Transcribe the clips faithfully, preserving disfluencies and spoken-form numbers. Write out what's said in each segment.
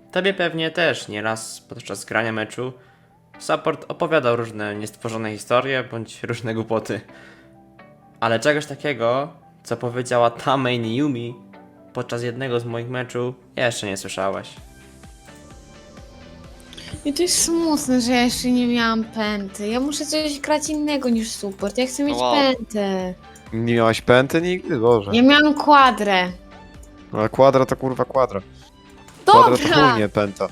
Tobie pewnie też nieraz podczas grania meczu support opowiadał różne niestworzone historie bądź różne głupoty. Ale czegoś takiego, co powiedziała ta main Yumi podczas jednego z moich meczów, jeszcze nie słyszałeś. I to jest smutne, że ja jeszcze nie miałam pęty. Ja muszę coś grać innego niż support. Ja chcę mieć Wow. pętę. Nie miałaś pęty nigdy? Boże. Ja miałam kwadrę. No, a kwadra to kurwa kwadra. Kwadra to Dobra! chuj, nie pęta.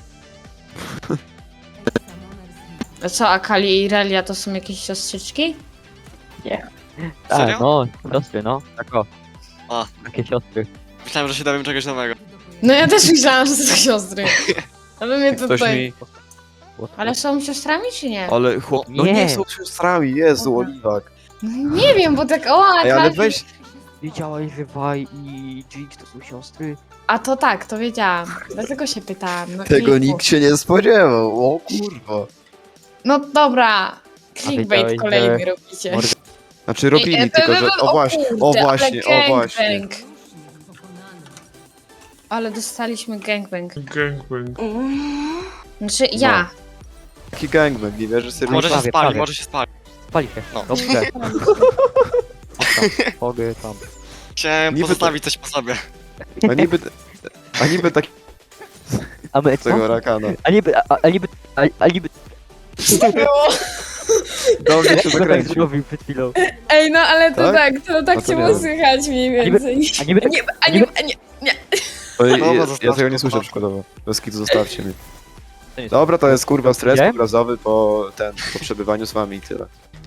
A co, Akali i Irelia to są jakieś siostrzyczki? Serio? Tak, no, siostry, no. Tak o. A. Takie siostry. Myślałem, że się dowiem czegoś nowego. No ja też myślałam, że to są siostry. Ale mnie Ktoś tutaj... mi... Ale są siostrami czy nie? Ale chłop... No Nie. nie są siostrami, Jezu, Dobra. Oliwak. No nie wiem, bo tak o, Ej, ale Akali... weź... Wiedziałaś, że Vi i Jinx to są siostry? A to tak, to wiedziałam. Dlatego się pytałam. No Tego i- nikt się nie spodziewał, o kurwa. No dobra. Clickbait wiedziałeś, kolejny że- robicie. Morgan- Znaczy robili, Ej, e, tylko e, że... e, O właśnie, o kurde, właśnie, ale o właśnie. gangbang. Ale dostaliśmy gangbang. Gangbang. Znaczy ja. Taki gangbang, nie wierzę sobie. Może się prawie, spali, prawie. może się spali. Spali się. No. Dobrze. Mogę tam. Chciałem Niby to- pozostawić coś po sobie. A niby... A niby tak A my co? tego rakana. A niby, a, a niby, a, a niby... Do mnie się Jak go tak zakręcił. zrobił przed chwilą. Ej, no ale to Tak? tak, to A tak to cię nie było wiem. słychać mniej A niby- więcej. A niby, Nie, a nie, a nie. To ja, No, ja, bo ja zostawcie tego nie to, słyszę to. przykładowo. Bez kitu zostawcie mnie. To jest- Dobra, to jest kurwa stres Gdzie? obrazowy po ten, po przebywaniu z wami i tyle.